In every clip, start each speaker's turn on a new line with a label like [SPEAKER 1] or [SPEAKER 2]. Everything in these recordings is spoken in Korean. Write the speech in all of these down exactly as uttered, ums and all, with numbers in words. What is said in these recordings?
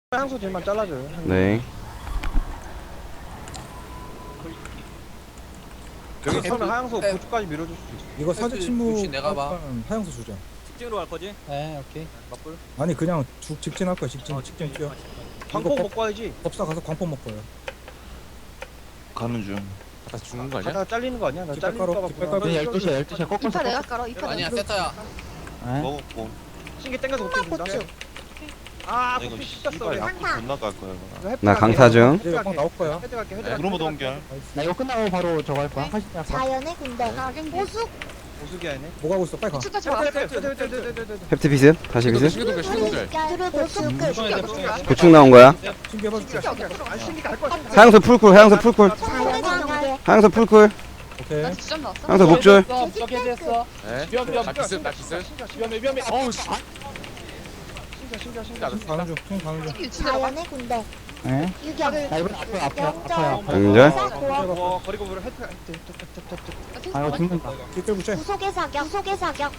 [SPEAKER 1] 향수 딜만 잘라줘요.
[SPEAKER 2] 네.
[SPEAKER 1] 여기 서면 하향수 고추까지 밀어줄 수 있어.
[SPEAKER 3] 이거 사제 침묵
[SPEAKER 4] 혹시 내가 봐.
[SPEAKER 3] 하면 하향수 주자.
[SPEAKER 4] 직진으로 갈 거지?
[SPEAKER 5] 네, 오케이.
[SPEAKER 4] 맞불?
[SPEAKER 3] 아니 그냥 죽 직진할 거야. 직진
[SPEAKER 4] 어,
[SPEAKER 3] 직진 뛰어.
[SPEAKER 1] 광폭
[SPEAKER 3] 이거
[SPEAKER 1] 먹고 와야지.
[SPEAKER 3] 법사 가서 광폭 먹고요.
[SPEAKER 6] 가는 중.
[SPEAKER 4] 다 죽는 거 아니야?
[SPEAKER 1] 가다가 잘리는 거 아니야? 나
[SPEAKER 3] 깃발
[SPEAKER 1] 잘릴까
[SPEAKER 3] 깔아,
[SPEAKER 1] 봐.
[SPEAKER 3] 깃발
[SPEAKER 1] 그냥.
[SPEAKER 3] 깔아.
[SPEAKER 5] 열두 시야, 열두 시야. 꺾어서.
[SPEAKER 7] 이파 내가 깔아. 이파
[SPEAKER 4] 아니야
[SPEAKER 7] 내가
[SPEAKER 4] 세타야.
[SPEAKER 5] 네.
[SPEAKER 6] 먹었고.
[SPEAKER 1] 신기 땡겨서 못 준다.
[SPEAKER 7] 고추.
[SPEAKER 1] 아,
[SPEAKER 6] 나 이거
[SPEAKER 1] 고추
[SPEAKER 6] 씨발
[SPEAKER 1] 씻었어.
[SPEAKER 6] 약국 못 나갈 거야 이거.
[SPEAKER 2] 나 강타 중.
[SPEAKER 3] 이제 막 나올 거야.
[SPEAKER 1] 헤드 갈게. 헤드 갈게.
[SPEAKER 6] 구르모 동결.
[SPEAKER 5] 나 이거 끝나고 바로 저거 할 거야. 하시 할 거야.
[SPEAKER 7] 자연의 군대. 보수.
[SPEAKER 1] 보수기 아니네.
[SPEAKER 3] 뭐 가고 있어? 빨리 가.
[SPEAKER 7] 추가
[SPEAKER 1] 헤드
[SPEAKER 7] 좋아.
[SPEAKER 1] 헤드 헤드 헤드 헤드 헤드.
[SPEAKER 2] 햅트 비스. 다시 비스.
[SPEAKER 4] 시계동결 시계동결.
[SPEAKER 7] 둘을 보수 끝.
[SPEAKER 2] 보충 나온 거야.
[SPEAKER 3] 신기해봐 줄게.
[SPEAKER 1] 아, 신기가 할 거야.
[SPEAKER 2] 하양수 풀쿨. 하양수 풀쿨.
[SPEAKER 7] 자연의 관계.
[SPEAKER 2] 하양수 풀쿨.
[SPEAKER 3] 오케이.
[SPEAKER 2] 하양수 목줄.
[SPEAKER 5] 해제했어.
[SPEAKER 4] 네.
[SPEAKER 1] 위험 위험.
[SPEAKER 4] 나 기습 나 기습.
[SPEAKER 5] 위험해, 위험해.
[SPEAKER 4] 어우 씨.
[SPEAKER 1] 신기가 신기가 신기가.
[SPEAKER 3] 총 가는 중. 총 가는 중.
[SPEAKER 7] 자연의 군대.
[SPEAKER 5] 네.
[SPEAKER 7] 유경.
[SPEAKER 5] 나 이번 앞에 앞에 앞에
[SPEAKER 7] 영절.
[SPEAKER 5] 앞에.
[SPEAKER 2] 연절.
[SPEAKER 1] 와, 거리고 보려 헤드 헤드 헤드.
[SPEAKER 5] 아 이거 죽는다.
[SPEAKER 3] 뒷끌고 째.
[SPEAKER 7] 구속의 사격. 구속의 사격.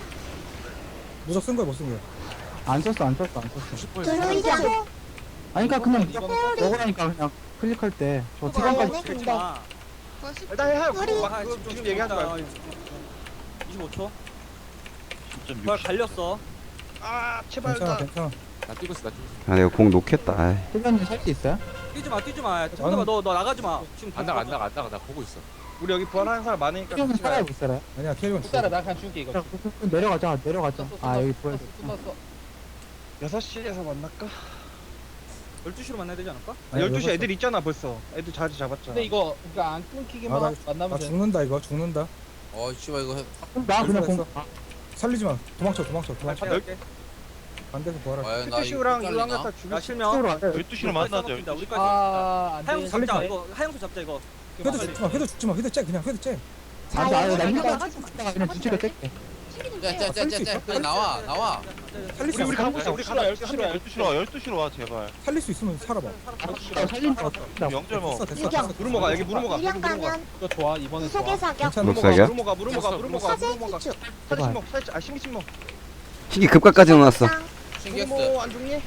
[SPEAKER 3] 무적 쓴 거야 못 쓴 거야?
[SPEAKER 5] 안 썼어, 안 썼어, 안 썼어.
[SPEAKER 7] 드루이드.
[SPEAKER 5] 아니 그러니까 그냥
[SPEAKER 7] 소리.
[SPEAKER 5] 먹으라니까 그냥 클릭할 때 저 티관까지.
[SPEAKER 7] 자연의 군대.
[SPEAKER 1] 일단 해 하고
[SPEAKER 7] 우리-
[SPEAKER 1] 그거 지금 얘기하지 말고.
[SPEAKER 4] 이십오 초.
[SPEAKER 6] 점
[SPEAKER 4] 발 갈렸어.
[SPEAKER 1] 아, 제발
[SPEAKER 3] 괜찮아
[SPEAKER 1] 나.
[SPEAKER 3] 괜찮아.
[SPEAKER 4] 나 뛰고 있어 나 뛰고 있어.
[SPEAKER 2] 아 내가 공 놓겠다. 아이.
[SPEAKER 5] 필변님 살 수 있어요?
[SPEAKER 4] 뛰지 마 뛰지 마. 잠깐만 너너 나가지 마. 지금
[SPEAKER 8] 안 나가 안 나가 안 나가 나 보고 있어.
[SPEAKER 1] 우리 여기 부활하는 사람 많으니까
[SPEAKER 5] 필변님
[SPEAKER 1] 같이
[SPEAKER 5] 살아요,
[SPEAKER 1] 가요.
[SPEAKER 5] 못 살아요?
[SPEAKER 3] 아니야 캐리건 죽어.
[SPEAKER 5] 나 그냥 줄게 이거. 내려가자, 내려가자. 아 여기 보여.
[SPEAKER 1] 여섯 시에서 만날까?
[SPEAKER 4] 열두 시로 만나야 되지 않을까?
[SPEAKER 3] 아니,
[SPEAKER 1] 열두 시
[SPEAKER 3] 여섯
[SPEAKER 1] 애들 있잖아 벌써. 애들 자리 잡았잖아.
[SPEAKER 5] 근데 이거 그러니까 안 끊기기만
[SPEAKER 3] 아, 나-
[SPEAKER 5] 만나면
[SPEAKER 3] 나
[SPEAKER 5] 돼.
[SPEAKER 3] 죽는다 이거 죽는다.
[SPEAKER 4] 어 씨발 이거 해.
[SPEAKER 5] 나 그냥 공.
[SPEAKER 3] 됐어. 살리지 마. 도망쳐 도망쳐 도망쳐.
[SPEAKER 1] 열-
[SPEAKER 3] 반대서 부활할.
[SPEAKER 4] 아유 나
[SPEAKER 1] 피트시우랑
[SPEAKER 4] 이거
[SPEAKER 1] 이거 한개다
[SPEAKER 4] 잘리나?
[SPEAKER 1] 죽여.
[SPEAKER 4] 야 실명.
[SPEAKER 5] 쪽으로 안 돼.
[SPEAKER 6] 열두 시로 만나자.
[SPEAKER 4] 우리까지. 우리까지.
[SPEAKER 5] 아, 안
[SPEAKER 4] 하영수
[SPEAKER 5] 돼.
[SPEAKER 4] 잡자 이거. 하영수 잡자 이거.
[SPEAKER 3] 헤드 죽지 마. 헤드 죽지 마. 헤드 째 그냥 헤드 째.
[SPEAKER 5] 아, 나 이거 나
[SPEAKER 7] 자연의
[SPEAKER 5] 이따가
[SPEAKER 7] 군대.
[SPEAKER 5] 이따가 그냥 뒤치게 뗄게.
[SPEAKER 4] 째째째째 그냥 나와 나와.
[SPEAKER 3] 살릴 수
[SPEAKER 1] 우리 우리
[SPEAKER 3] 있어.
[SPEAKER 1] 가고 있어. 우리 가고 있어.
[SPEAKER 6] 열두 시로 와. 열두 시로 와 제발.
[SPEAKER 3] 살릴 수 있으면 살아봐.
[SPEAKER 5] 아, 살린다.
[SPEAKER 6] 영절 먹어.
[SPEAKER 3] 됐어 됐어
[SPEAKER 7] 유경.
[SPEAKER 3] 됐어.
[SPEAKER 1] 무르모가 여기 무르모가.
[SPEAKER 7] 유령 가면.
[SPEAKER 5] 이거 좋아 이번에
[SPEAKER 7] 구속의 사격.
[SPEAKER 3] 괜찮아.
[SPEAKER 2] 녹사격?
[SPEAKER 1] 무르모가 무르모가 무르모가
[SPEAKER 7] 사제
[SPEAKER 1] 무르모가.
[SPEAKER 7] 기축.
[SPEAKER 1] 사제 신목 사제 아 신기 신목.
[SPEAKER 2] 신기 급각까지 넣어놨어.
[SPEAKER 7] 땅.
[SPEAKER 4] 신기했어.
[SPEAKER 1] 무르모 안 죽니?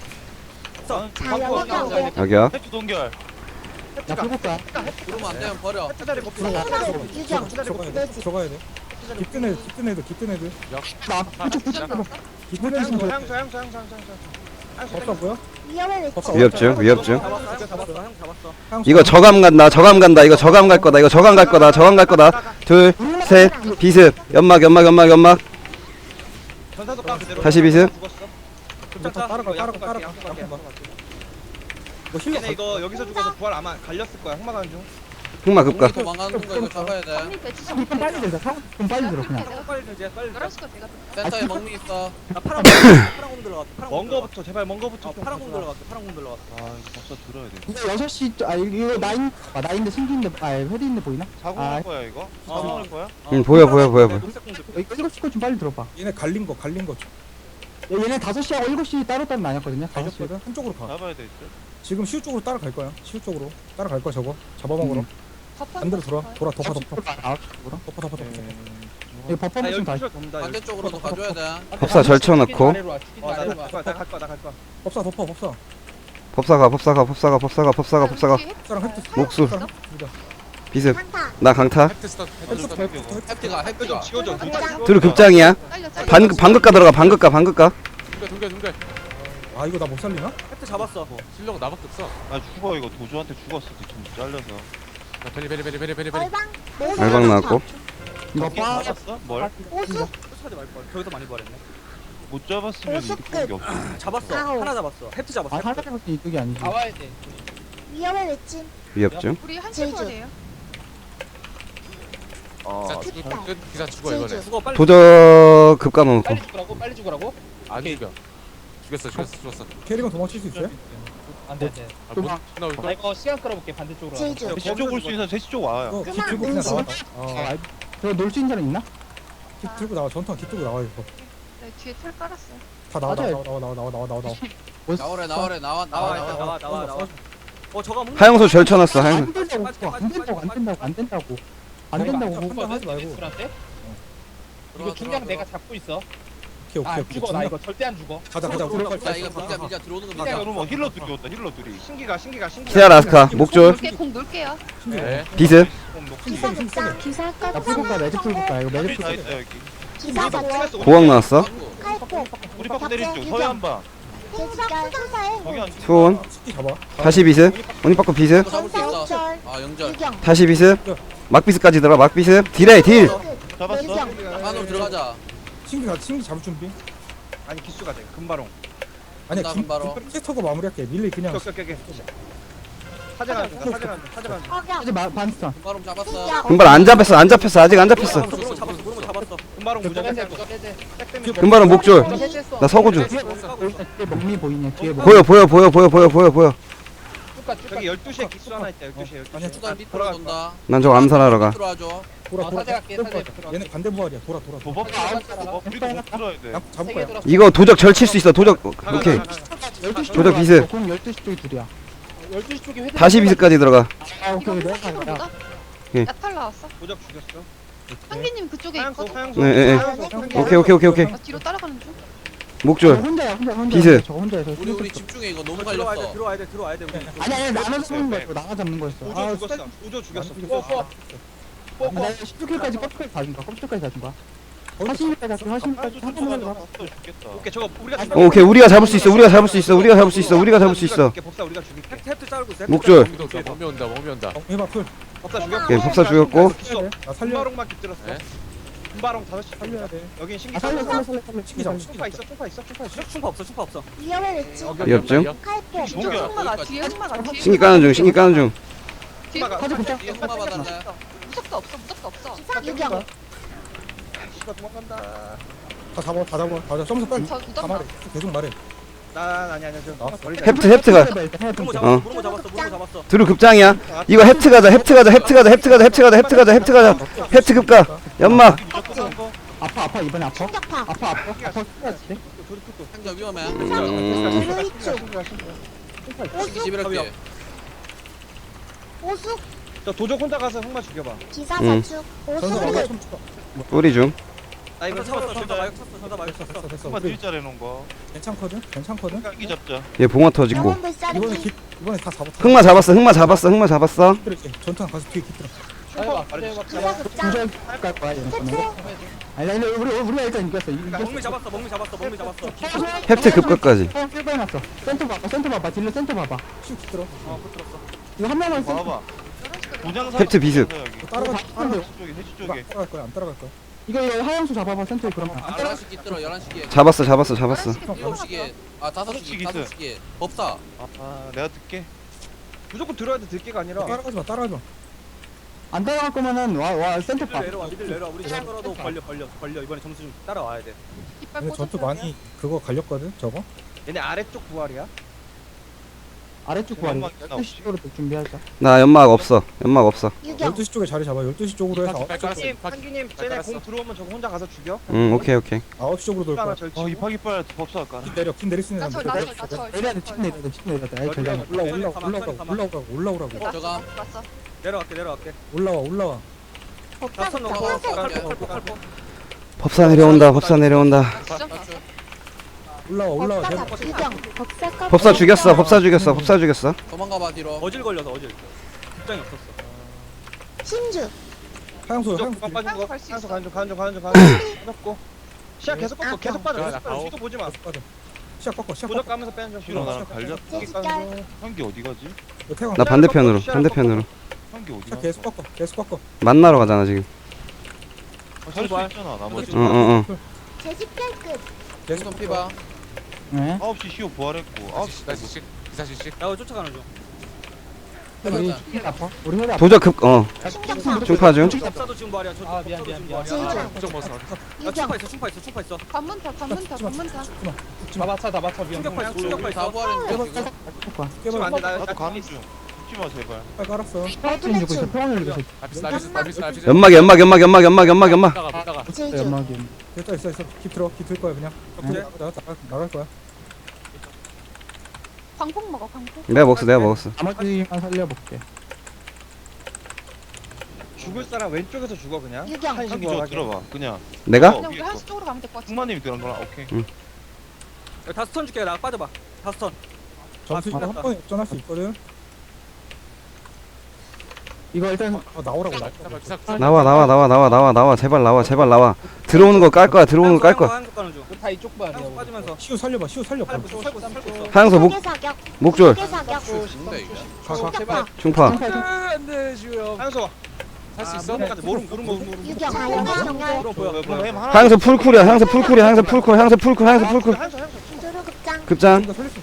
[SPEAKER 7] 자연의 관계.
[SPEAKER 2] 여기요.
[SPEAKER 6] 해주 동결.
[SPEAKER 5] 나 풀고 가.
[SPEAKER 4] 그러면 안 되면 버려.
[SPEAKER 1] 헤드 자리 먹고.
[SPEAKER 7] 소란. 유경.
[SPEAKER 3] 들어가야 돼. 들어가야 돼. 깊은 애들 깊은 애들 깊은 애들.
[SPEAKER 5] 나 이쪽 부착.
[SPEAKER 3] 깊은 애들
[SPEAKER 1] 향수
[SPEAKER 3] 좀
[SPEAKER 1] 향수 향수 향수 향수 향수.
[SPEAKER 3] 법사 뭐야?
[SPEAKER 7] 위험의
[SPEAKER 3] 법사
[SPEAKER 7] 외침.
[SPEAKER 2] 위협중. 위협중.
[SPEAKER 4] 잡았어 형 잡았어 형 잡았어.
[SPEAKER 3] 향수.
[SPEAKER 2] 이거 저감 간다. 저감 간다. 이거 저감 갈 거다. 이거 저감 갈 거다. 저감 갈 거다. 둘, 셋, 비습. 연막, 연막, 연막, 연막.
[SPEAKER 1] 전사도 까 그대로.
[SPEAKER 2] 다시 비스.
[SPEAKER 1] 죽었어.
[SPEAKER 3] 따라가 따라가 따라가 따라가. 뭐 힐러
[SPEAKER 1] 얘네 이거 여기서 죽어서 부활 아마 갈렸을 거야. 흑마 가는 중.
[SPEAKER 2] 흑마
[SPEAKER 4] 공이
[SPEAKER 2] 급각.
[SPEAKER 4] 도망가는 거 이거 잡아야 돼.
[SPEAKER 5] 좀 빨리 들자. 좀 빨리 들어 그냥.
[SPEAKER 4] 빨리 들지 빨리 들지.
[SPEAKER 5] 아,
[SPEAKER 4] 센터에 먹미 있어. 나 파란 공 파란 공 들어갔어. 파란 공
[SPEAKER 1] 먼
[SPEAKER 4] 들어갔어.
[SPEAKER 1] 거부터 제발 먼 거부터.
[SPEAKER 4] 어 파란 공 들어갔어. 파란 공 들어갔어.
[SPEAKER 6] 아 이거 법사 들어야 돼.
[SPEAKER 5] 이거 여섯 시 아 이거 나인 아 나인데 생긴데 아 헤드인데 보이나?
[SPEAKER 6] 사고
[SPEAKER 5] 아,
[SPEAKER 6] 할 거야 이거? 사고 할 거야?
[SPEAKER 2] 응 보여 보여 보여 보여.
[SPEAKER 4] 녹색 공 들고.
[SPEAKER 5] 이거 일곱 시거 좀 빨리 들어봐.
[SPEAKER 3] 얘네 갈린 거 갈린 거.
[SPEAKER 5] 얘- 얘네 다섯 시하고 일곱 시 따로 따로 나뉘었거든요. 다섯 시.
[SPEAKER 3] 갈렸거든. 한쪽으로 가.
[SPEAKER 6] 잡아야 돼 있어.
[SPEAKER 3] 지금 시우 쪽으로 따라갈 거야. 시우 쪽으로 따라갈 거야 저거. 잡아먹으러.
[SPEAKER 5] 음.
[SPEAKER 3] 반대로 돌아. 돌아 덮어 덮어.
[SPEAKER 5] 아홉 시로.
[SPEAKER 3] 덮어 덮어 덮어.
[SPEAKER 5] 이거 버퍼
[SPEAKER 1] 아
[SPEAKER 5] 좀
[SPEAKER 1] 여기
[SPEAKER 5] 다시.
[SPEAKER 1] 피셜 돕니다.
[SPEAKER 4] 반대쪽으로도 가줘야 돼.
[SPEAKER 2] 법사 절쳐놓고.
[SPEAKER 1] 어나갈 거야. 나갈 거야. 나갈 거야.
[SPEAKER 3] 법사 덮어 법사.
[SPEAKER 2] 법사가 법사가 법사가 법사가 법사가 법사가.
[SPEAKER 3] 법사랑 헤드.
[SPEAKER 2] 목수.
[SPEAKER 3] 법사랑 헤드.
[SPEAKER 2] 비습.
[SPEAKER 7] 강타.
[SPEAKER 2] 나 강타.
[SPEAKER 8] 햅트 스타트.
[SPEAKER 3] 헤드
[SPEAKER 8] 햅트
[SPEAKER 3] 헤드
[SPEAKER 8] 스타트.
[SPEAKER 3] 헤드.
[SPEAKER 4] 햅트가 햅트가.
[SPEAKER 1] 지워줘.
[SPEAKER 2] 둘 급장이야. 반 반급가 들어가. 반급가 반급가.
[SPEAKER 8] 동결 동결 동결.
[SPEAKER 3] 아 이거 나 못 살리나?
[SPEAKER 4] 햅트 잡았어.
[SPEAKER 8] 실력 나밖에 없어.
[SPEAKER 6] 아 죽어 이거 도주한테 죽었어 뒤통 잘려서.
[SPEAKER 8] 나 베리 베리 베리 베리 베리 베리.
[SPEAKER 7] 얼방.
[SPEAKER 2] 알방 나왔고.
[SPEAKER 5] 이거 빠.
[SPEAKER 6] 잡았어? 뭘?
[SPEAKER 7] 보수.
[SPEAKER 4] 하지 말 걸. 저기서 많이 버렸네.
[SPEAKER 6] 못 잡았으면
[SPEAKER 7] 보수
[SPEAKER 6] 이렇게
[SPEAKER 7] 끝.
[SPEAKER 6] 없어.
[SPEAKER 4] 잡았어.
[SPEAKER 7] 아우.
[SPEAKER 4] 하나 잡았어. 햅트
[SPEAKER 5] 아
[SPEAKER 4] 잡았어.
[SPEAKER 5] 하나 잡았으 이쪽이 아니지.
[SPEAKER 9] 나와야 돼.
[SPEAKER 7] 위험의 외침.
[SPEAKER 2] 위협중.
[SPEAKER 7] 우리 한시 돼요.
[SPEAKER 6] 어.
[SPEAKER 8] 기사 죽으면 끝. 기사 죽어 이번에.
[SPEAKER 4] 죽어 빨리.
[SPEAKER 2] 도저 급가 넣고.
[SPEAKER 9] 빨리 죽으라고? 빨리 죽으라고?
[SPEAKER 8] 안 죽여. 죽였어 죽였어 죽였어.
[SPEAKER 3] 캐리건 도망칠 수 있어요?
[SPEAKER 9] 안돼 안돼.
[SPEAKER 8] 아, 못 나올
[SPEAKER 9] 나
[SPEAKER 8] 걸?
[SPEAKER 9] 이거 시간 끌어볼게 반대쪽으로.
[SPEAKER 7] 제주.
[SPEAKER 6] 셋시 쪽 올 수 있어. 셋시 쪽 와요.
[SPEAKER 3] 이거 깃
[SPEAKER 7] 그만,
[SPEAKER 3] 들고 그냥
[SPEAKER 7] 은신.
[SPEAKER 3] 나와.
[SPEAKER 5] 아,
[SPEAKER 3] 어.
[SPEAKER 5] 저거 놀 수 있는 사람 있나?
[SPEAKER 3] 깃 들고 나와. 전투한 깃 들고 나와 이거.
[SPEAKER 7] 뒤에 털 깔았어.
[SPEAKER 3] 다 나와 나와
[SPEAKER 5] 맞아요.
[SPEAKER 3] 나와 나와 나와 나와 나와 나와.
[SPEAKER 5] 뭐,
[SPEAKER 4] 나오래 나오래 나와
[SPEAKER 1] 나와
[SPEAKER 4] 나와
[SPEAKER 1] 나와
[SPEAKER 4] 나와.
[SPEAKER 1] 나와 나와 나와.
[SPEAKER 4] 어 저거 먹는
[SPEAKER 2] 하영수 절쳐놨어. 하영수.
[SPEAKER 5] 안 된다고 안 된다고 안 된다고 안 된다고 안 된다고.
[SPEAKER 3] 판단 하지 말고.
[SPEAKER 9] 술한테? 이거 중량 내가 잡고 있어.
[SPEAKER 3] 오케이
[SPEAKER 9] 아,
[SPEAKER 3] 오케이
[SPEAKER 9] 안
[SPEAKER 3] 오케이.
[SPEAKER 9] 죽어. 나 이거 절대 안 죽어.
[SPEAKER 3] 가자 가자 우리
[SPEAKER 4] 야 이거 밀자 밀자 들어오는 거
[SPEAKER 6] 야
[SPEAKER 4] 밀자.
[SPEAKER 6] 그러면 힐러 둘이 온다 힐러 둘이
[SPEAKER 1] 신기가 신기가 신기가.
[SPEAKER 2] 시야 라스카 목줄
[SPEAKER 7] 놀게 공 놀게요.
[SPEAKER 8] 네.
[SPEAKER 2] 비습
[SPEAKER 7] 기사 극장. 기사
[SPEAKER 5] 나 풀볼까 매직 풀볼까 이거 매직
[SPEAKER 6] 다
[SPEAKER 5] 풀
[SPEAKER 6] 있다 여기
[SPEAKER 7] 기사 자축.
[SPEAKER 2] 고학 나왔어
[SPEAKER 7] 칼포.
[SPEAKER 6] 우리 파크 때리는 중 서해 한방
[SPEAKER 7] 대지결 수사에
[SPEAKER 6] 저기 한
[SPEAKER 2] 수온
[SPEAKER 3] 스키 잡아.
[SPEAKER 2] 다시 비습 오니빠꾸 비습
[SPEAKER 4] 잡을 수 있어.
[SPEAKER 7] 전사우절.
[SPEAKER 4] 아 영절.
[SPEAKER 7] 유경.
[SPEAKER 2] 다시 비습 막비습까지 들어가 막비습 딜해 딜
[SPEAKER 6] 잡았어?
[SPEAKER 7] 유경.
[SPEAKER 4] 안으로 들어가자.
[SPEAKER 3] 신기 가 신기 잡을 준비.
[SPEAKER 1] 아니 기수가 돼. 금바롱.
[SPEAKER 3] 아니야
[SPEAKER 4] 나
[SPEAKER 3] 김
[SPEAKER 4] 바로.
[SPEAKER 3] 캐스터가 마무리할게. 밀리 그냥.
[SPEAKER 1] 오케이 오케이 오케이. 사제가 안 돼. 사제가 안 돼. 사제가 안 돼.
[SPEAKER 7] 허경.
[SPEAKER 5] 이제 마 반스턴
[SPEAKER 4] 바로 잡았어.
[SPEAKER 7] 희경.
[SPEAKER 2] 금발 안 잡혔어 안 잡혔어 아직 안 잡혔어
[SPEAKER 4] 무릎 잡았어. 무릎 잡았어.
[SPEAKER 1] 금바롱 무조건
[SPEAKER 9] 해제,
[SPEAKER 1] 할 거.
[SPEAKER 9] 무조건 해제.
[SPEAKER 1] 백
[SPEAKER 2] 금발은 목줄
[SPEAKER 9] 해제했어.
[SPEAKER 2] 나 서구줄
[SPEAKER 5] 뒤에 먹미 보이네 뒤에 먹미
[SPEAKER 2] 보여 보여 보여 보여 보여 보여 보여
[SPEAKER 9] 쭉가 쭉가.
[SPEAKER 1] 저기 열두 시에 기수 하나 있다. 열두 시에 열두
[SPEAKER 3] 아니야,
[SPEAKER 1] 시에.
[SPEAKER 4] 수단 밑으로 돈다.
[SPEAKER 2] 난 저거 암살하러 가
[SPEAKER 4] 들어와줘.
[SPEAKER 3] 돌아
[SPEAKER 9] 어,
[SPEAKER 3] 돌아.
[SPEAKER 9] 사제 갈게, 사제
[SPEAKER 3] 돌아.
[SPEAKER 9] 들어가.
[SPEAKER 3] 얘네 반대 부활이야. 돌아 돌아. 돌아.
[SPEAKER 6] 도박 도박 우리도 못 들어야 돼
[SPEAKER 3] 야, 잡을
[SPEAKER 9] 세개
[SPEAKER 3] 거야.
[SPEAKER 9] 들었어.
[SPEAKER 2] 이거 도적 절칠 수 있어 도적 오케이
[SPEAKER 5] 열두 시
[SPEAKER 2] 조적 비습.
[SPEAKER 5] 공 열두 시 쪽이 둘이야
[SPEAKER 9] 열두 시 쪽에 회대.
[SPEAKER 2] 다시 비습까지 들어가
[SPEAKER 5] 아 오케이
[SPEAKER 7] 이거
[SPEAKER 5] 내가
[SPEAKER 7] 사진
[SPEAKER 5] 가자
[SPEAKER 7] 볼까?
[SPEAKER 2] 예.
[SPEAKER 7] 야탈 나왔어.
[SPEAKER 1] 도적 죽였어.
[SPEAKER 7] 한기님 그쪽에
[SPEAKER 1] 하양소
[SPEAKER 7] 있거든.
[SPEAKER 1] 하양소.
[SPEAKER 2] 네, 네, 네.
[SPEAKER 1] 하양소.
[SPEAKER 2] 오케이 오케이 오케이 오케이
[SPEAKER 7] 나 뒤로 따라가는 중.
[SPEAKER 2] 목줄
[SPEAKER 5] 혼자야 혼자 혼자
[SPEAKER 2] 비습.
[SPEAKER 5] 저 혼자야 저
[SPEAKER 4] 우리 우리
[SPEAKER 5] 혼자.
[SPEAKER 4] 집중해 이거 너무
[SPEAKER 10] 들어와야 돼
[SPEAKER 4] 갈렸어.
[SPEAKER 10] 들어와야 돼 들어와야 돼 우리.
[SPEAKER 5] 아니 아니 나눠서 쏘는 거였어 나가 잡는 거였어
[SPEAKER 1] 우조
[SPEAKER 5] 아
[SPEAKER 1] 죽었어. 우조 죽였어.
[SPEAKER 9] 뽀뽀. 뽀뽀.
[SPEAKER 5] 나 십육 킬까지 껍질까지 다준 거야 껍질까지 다준 거야 사십일까지 사십일까지 한 번만 더
[SPEAKER 6] 죽겠다
[SPEAKER 1] 오케이 저거 우리가
[SPEAKER 5] 아,
[SPEAKER 1] 죽여.
[SPEAKER 2] 어, 오케이 우리가 잡을 수 있어 우리가 잡을 수 있어 우리가 잡을 수 있어 우리가 잡을 수 있어
[SPEAKER 1] 법사 우리가 죽일게.
[SPEAKER 10] 탭 탭트 자르고 있어.
[SPEAKER 2] 목줄
[SPEAKER 8] 몸이 온다 몸이 온다 몸이 온다.
[SPEAKER 3] 어, 해봐 풀.
[SPEAKER 1] 법사 죽였고.
[SPEAKER 2] 오케이 법사 죽였고
[SPEAKER 1] 기수.
[SPEAKER 3] 나 살려.
[SPEAKER 1] 금바롱만 깃들었어.
[SPEAKER 8] 네.
[SPEAKER 1] 금바롱 다섯 시
[SPEAKER 3] 살려야 돼.
[SPEAKER 1] 여긴 신기.
[SPEAKER 5] 아 살려 살려 살려 살려
[SPEAKER 3] 신기 잡아.
[SPEAKER 1] 충파 있어. 충파 있어. 충파 있어.
[SPEAKER 10] 충파 없어 충파 없어.
[SPEAKER 7] 위험의 외침.
[SPEAKER 2] 위협증
[SPEAKER 7] 칼포.
[SPEAKER 6] 신기야.
[SPEAKER 7] 뒤에 흑마가 뒤에 흑마가 뒤에.
[SPEAKER 2] 신기 까는 중 신기 까는 중
[SPEAKER 7] 뒤에
[SPEAKER 1] 흑마가.
[SPEAKER 5] 사진 붙자
[SPEAKER 4] 뒤에 흑마 받았네.
[SPEAKER 7] 무섭도 없어 무섭도 없어. 유경.
[SPEAKER 1] 씨가 도망간다.
[SPEAKER 3] 다 잡아 다 잡아 다 잡아. 점수 빨리.
[SPEAKER 7] 저
[SPEAKER 3] 다
[SPEAKER 7] 무덤
[SPEAKER 3] 말해. 계속 말해.
[SPEAKER 1] 난 아니 아니 저
[SPEAKER 3] 나왔어.
[SPEAKER 1] 버리자.
[SPEAKER 2] 헵트 헵트가
[SPEAKER 10] 무릎
[SPEAKER 2] 어.
[SPEAKER 10] 잡았어 무릎 잡았어 무릎 잡았어.
[SPEAKER 2] 두루 급장이야 이거 헵트 가자 헵트 가자 헵트 가자 헵트 가자 헵트 가자 헵트 가자 헵트 가자 헵트 급가 연막
[SPEAKER 5] 아파 아파 이번에 아파
[SPEAKER 7] 충격파.
[SPEAKER 5] 아파 아파 아파 죽어야지
[SPEAKER 4] 행자 위험해.
[SPEAKER 2] 음,
[SPEAKER 7] 루이추.
[SPEAKER 4] 신기 집이랄게.
[SPEAKER 7] 오숙.
[SPEAKER 1] 저 도적 혼자 가서 흑마 죽여봐.
[SPEAKER 7] 기사
[SPEAKER 2] 음.
[SPEAKER 7] 자축.
[SPEAKER 3] 전사
[SPEAKER 7] 오숙.
[SPEAKER 3] 막아 좀 쳐.
[SPEAKER 2] 뿌리 중
[SPEAKER 1] 나 이거
[SPEAKER 10] 전사
[SPEAKER 1] 잡았어.
[SPEAKER 10] 잡았어 전사 마이크 쳤어 전사 마이크
[SPEAKER 3] 됐어
[SPEAKER 10] 쳤어.
[SPEAKER 3] 됐어.
[SPEAKER 6] 한번
[SPEAKER 3] 우리
[SPEAKER 6] 딜자래 놓은 거
[SPEAKER 3] 괜찮거든. 괜찮거든.
[SPEAKER 6] 깎기 잡자
[SPEAKER 2] 얘 봉화 터지고
[SPEAKER 7] 영혼
[SPEAKER 3] 이번에
[SPEAKER 7] 불사르기.
[SPEAKER 3] 기 이번에 다 잡아.
[SPEAKER 2] 흑마 잡았어 흑마 잡았어 흑마 잡았어
[SPEAKER 3] 그렇지. 전투 가서 뒤에 기들어.
[SPEAKER 9] 해봐. 해봐.
[SPEAKER 7] 기사 극장.
[SPEAKER 5] 도저히 갈 거야 이런 거는
[SPEAKER 7] 태초.
[SPEAKER 5] 아니 아니 우리 우리가 일단 이겼어 이겼어
[SPEAKER 10] 먹미 잡았어 먹미 잡았어 먹미 잡았어.
[SPEAKER 2] 헵트 급가까지
[SPEAKER 5] 형 필바해놨어 센터 봐봐 센터 봐봐 딜러 센터 봐봐
[SPEAKER 3] 슉 기들어.
[SPEAKER 5] 이거 한 명만 센터
[SPEAKER 6] 봐봐 도장사
[SPEAKER 2] 헵트 비습
[SPEAKER 3] 따라가.
[SPEAKER 5] 따라가
[SPEAKER 6] 해치 쪽에 해치
[SPEAKER 3] 안
[SPEAKER 6] 쪽에
[SPEAKER 3] 따라갈 거야 안 따라갈 거야.
[SPEAKER 5] 이거 이거 하영수 잡아봐 센터 그러면 안 따라
[SPEAKER 4] 열한 시 끼들어 열한 시기에.
[SPEAKER 2] 잡았어 잡았어 잡았어
[SPEAKER 4] 일곱 시기에. 아 다섯
[SPEAKER 6] 다섯
[SPEAKER 4] 시기
[SPEAKER 6] 시기
[SPEAKER 4] 다섯
[SPEAKER 6] 있어요.
[SPEAKER 4] 시기에. 법사.
[SPEAKER 6] 아 내가 듣게
[SPEAKER 1] 무조건 들어야 돼. 들게가 아니라.
[SPEAKER 3] 따라가지 마 따라가지 마.
[SPEAKER 5] 안 따라갈 거면은 와 와 센터
[SPEAKER 10] 미들
[SPEAKER 5] 봐
[SPEAKER 10] 내려와 미들 내려와 우리 시간으로도 걸려 걸려 걸려 이번에 점수 좀 따라와야 돼.
[SPEAKER 7] 이빨
[SPEAKER 3] 근데 전투
[SPEAKER 7] 꽂았어요.
[SPEAKER 3] 많이 그거 갈렸거든 저거.
[SPEAKER 1] 얘네 아래쪽 부활이야.
[SPEAKER 5] 아래쪽 구하리
[SPEAKER 6] 연막 있나
[SPEAKER 5] 열두 시 쪽으로 준비하자
[SPEAKER 2] 나 연막 없어 연막 없어
[SPEAKER 7] 유경.
[SPEAKER 3] 열두 시 쪽에 자리 잡아. 열두 시 쪽으로 해서
[SPEAKER 8] 빨리 깔았어.
[SPEAKER 1] 한기님 한기님 쟤네 공 들어오면 저거 혼자 가서 죽여.
[SPEAKER 2] 응 오케이 오케이
[SPEAKER 3] 아홉 시 쪽으로 돌
[SPEAKER 1] 하나
[SPEAKER 3] 거야.
[SPEAKER 1] 절치고.
[SPEAKER 6] 어 이파기빨 법사 할까
[SPEAKER 3] 핀 내려 핀 내릴 수 있는
[SPEAKER 7] 나 절,
[SPEAKER 3] 사람
[SPEAKER 7] 나 절, 나 절.
[SPEAKER 5] 내려야 돼 칩 내려야 돼 칩 내려야 돼 아이 절대 안
[SPEAKER 3] 올라 올라 올라오라고 올라오라고 올라오라고
[SPEAKER 7] 났어.
[SPEAKER 4] 저가.
[SPEAKER 7] 났어.
[SPEAKER 10] 내려갈게 내려갈게.
[SPEAKER 3] 올라와 올라와.
[SPEAKER 7] 법사
[SPEAKER 10] 다섯 명
[SPEAKER 7] 극장.
[SPEAKER 10] 칼포
[SPEAKER 7] 칼포.
[SPEAKER 10] 칼포 칼포 칼포.
[SPEAKER 2] 법사 내려온다 법사 내려온다
[SPEAKER 7] 진짜?
[SPEAKER 3] 올라와 올라와.
[SPEAKER 7] 법사
[SPEAKER 3] 내려.
[SPEAKER 7] 잡. 유경. 법사 칼포.
[SPEAKER 2] 법사 죽였어 법사 죽였어 법사 죽였어
[SPEAKER 4] 도망가봐 뒤로.
[SPEAKER 10] 어질 걸려서 어질. 입장이 없었어.
[SPEAKER 7] 신주.
[SPEAKER 3] 하영수
[SPEAKER 1] 도적
[SPEAKER 3] 하영수.
[SPEAKER 1] 그만 빠진 거.
[SPEAKER 7] 갈수
[SPEAKER 1] 하양소
[SPEAKER 7] 있어.
[SPEAKER 1] 가는 중 가는 중 가는 중 가는 중. 잡고. 시야 계속 꺾어. 계속 빠져.
[SPEAKER 8] 야,
[SPEAKER 1] 계속
[SPEAKER 8] 나
[SPEAKER 1] 빠져.
[SPEAKER 8] 가오.
[SPEAKER 1] 뒤도 보지 마.
[SPEAKER 3] 빠져. 시작 꺾어 시작
[SPEAKER 1] 도적
[SPEAKER 3] 꺾어.
[SPEAKER 1] 까면서 빼는 중.
[SPEAKER 6] 싫어 나랑 갈렸
[SPEAKER 7] 제지결.
[SPEAKER 6] 한기 어디 가지?
[SPEAKER 3] 이거 태광.
[SPEAKER 2] 나 반대편으로 반대편으로
[SPEAKER 6] 한기 어디
[SPEAKER 3] 시작
[SPEAKER 6] 가?
[SPEAKER 3] 계속 꺾어 계속 꺾어.
[SPEAKER 2] 만나러 가잖아 지금
[SPEAKER 6] 살수 있잖아 나머지
[SPEAKER 2] 응응응
[SPEAKER 7] 제집결 끝.
[SPEAKER 3] 계속
[SPEAKER 4] 손 피봐.
[SPEAKER 5] 네
[SPEAKER 6] 아홉 시 시오 부활했고 아홉 시
[SPEAKER 8] 기사 시식 기사 시식.
[SPEAKER 10] 야 쫓아가는 중.
[SPEAKER 5] 우리 힐 아파 우리 힐 아파
[SPEAKER 2] 도적 급어
[SPEAKER 7] 충격파.
[SPEAKER 2] 충파 중
[SPEAKER 10] 법사도 지금 부활이야. 저
[SPEAKER 9] 아, 미안,
[SPEAKER 10] 법사도
[SPEAKER 9] 미안,
[SPEAKER 10] 지금
[SPEAKER 9] 미안.
[SPEAKER 10] 부활이야.
[SPEAKER 7] 제주.
[SPEAKER 8] 부정 먹었어.
[SPEAKER 10] 야
[SPEAKER 7] 유경.
[SPEAKER 10] 충파 있어 충파 있어 충파 있어.
[SPEAKER 7] 관문타 관문타 관문타.
[SPEAKER 9] 다 맞춰, 다 맞춰. 위험.
[SPEAKER 10] 충격파 있어 충격파
[SPEAKER 4] 다
[SPEAKER 10] 있어.
[SPEAKER 4] 부활했는데 지금.
[SPEAKER 5] 해봐
[SPEAKER 1] 지금 안 돼. 나
[SPEAKER 6] 나도 가는 중 죽지 마 제발
[SPEAKER 3] 빨리 깔았어.
[SPEAKER 5] 평화를 이기고 있어 평화를 이기고 있어
[SPEAKER 8] 나비스 나비스 나비스 나비스.
[SPEAKER 2] 연막 연막 연막 연막 연막 연막 연막
[SPEAKER 8] 나가 못 나가.
[SPEAKER 7] 제주.
[SPEAKER 5] 연막이
[SPEAKER 3] 됐다 있어 있어. 킵 들어 킵 들 거야 그냥.
[SPEAKER 10] 네.
[SPEAKER 3] 나가 나가 나갈 거야.
[SPEAKER 7] 광폭 먹어 광폭.
[SPEAKER 2] 내가 먹었어 내가 먹었어
[SPEAKER 5] 나머지만 살려볼게
[SPEAKER 1] 죽을 사람 왼쪽에서 죽어 그냥.
[SPEAKER 7] 유경.
[SPEAKER 1] 한시
[SPEAKER 6] 한기 저
[SPEAKER 1] 부활하게.
[SPEAKER 6] 들어봐 그냥
[SPEAKER 2] 내가?
[SPEAKER 6] 어,
[SPEAKER 7] 그냥 우리
[SPEAKER 6] 위에 거.
[SPEAKER 7] 한시 쪽으로 가면 될 것 같아.
[SPEAKER 6] 흑마님이 들어간 거라 오케이
[SPEAKER 10] 다섯 턴 줄게. 나 빠져봐. 다섯 턴.
[SPEAKER 3] 점수
[SPEAKER 10] 아,
[SPEAKER 3] 이거 한 번에 역전할 수 있거든.
[SPEAKER 5] 이거 일단
[SPEAKER 3] 아, 나오라고 나.
[SPEAKER 8] 잠깐만 기사 기사.
[SPEAKER 2] 나와 나와 나와 나와 나와 나와 제발 나와 제발 나와. 들어오는 거 깔 거야 들어오는 거 깔 거야.
[SPEAKER 10] 한국 가는 중.
[SPEAKER 9] 다 이쪽 봐.
[SPEAKER 10] 한국 빠지면서.
[SPEAKER 3] 시우 살려봐. 시우 살려.
[SPEAKER 10] 살고 있어. 살고 있어. 살고 있어.
[SPEAKER 2] 하영서 목
[SPEAKER 7] 속의 사격.
[SPEAKER 2] 목줄
[SPEAKER 7] 속의 사격.
[SPEAKER 4] 죽는다 이거.
[SPEAKER 3] 가 가.
[SPEAKER 9] 제발.
[SPEAKER 2] 중파.
[SPEAKER 8] 안돼 지우형.
[SPEAKER 1] 하영서
[SPEAKER 8] 할수
[SPEAKER 1] 아,
[SPEAKER 8] 있어?
[SPEAKER 1] 모르는 거 모르는 거 모르는 거.
[SPEAKER 7] 유경. 자연의 정렬.
[SPEAKER 10] 보여 보여.
[SPEAKER 6] 그럼 햄 하나
[SPEAKER 2] 하영서 풀쿨이야 하영서 풀쿨이야 하영서 풀쿨 하영서 풀쿨 하영서 풀쿨.
[SPEAKER 1] 하영서 하영서.
[SPEAKER 7] 두루급장.
[SPEAKER 2] 급장
[SPEAKER 3] 이거 살릴 수.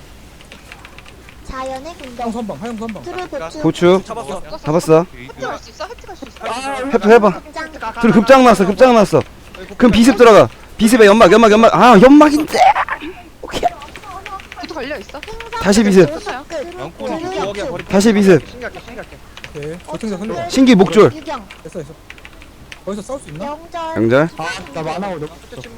[SPEAKER 7] 자연의
[SPEAKER 3] 하영
[SPEAKER 7] 공격.
[SPEAKER 3] 선방. 하영 선방.
[SPEAKER 7] 두루보충.
[SPEAKER 2] 고추
[SPEAKER 10] 잡았어.
[SPEAKER 2] 잡았어.
[SPEAKER 7] 혜택 갈수 있어? 혜택 갈수 있어?
[SPEAKER 2] 해프 해봐.
[SPEAKER 7] 급장.
[SPEAKER 2] 둘 급장 났어 급장 났어. 그럼 비습 들어가. 비습에 연막 연막 연막. 아 연막인데. 오케이.
[SPEAKER 7] 구두 걸려 있어?
[SPEAKER 2] 다시 비습.
[SPEAKER 6] 양꼬리
[SPEAKER 1] 저기야 버리.
[SPEAKER 2] 다시 비습.
[SPEAKER 1] 신기할게 신기할게.
[SPEAKER 3] 오케이. 조탱자 살려.
[SPEAKER 2] 신기 목줄.
[SPEAKER 7] 유경.
[SPEAKER 3] 됐어 됐어. 거기서 싸울 수 있나?
[SPEAKER 7] 영절.
[SPEAKER 2] 영절.
[SPEAKER 5] 아나 만화고 너.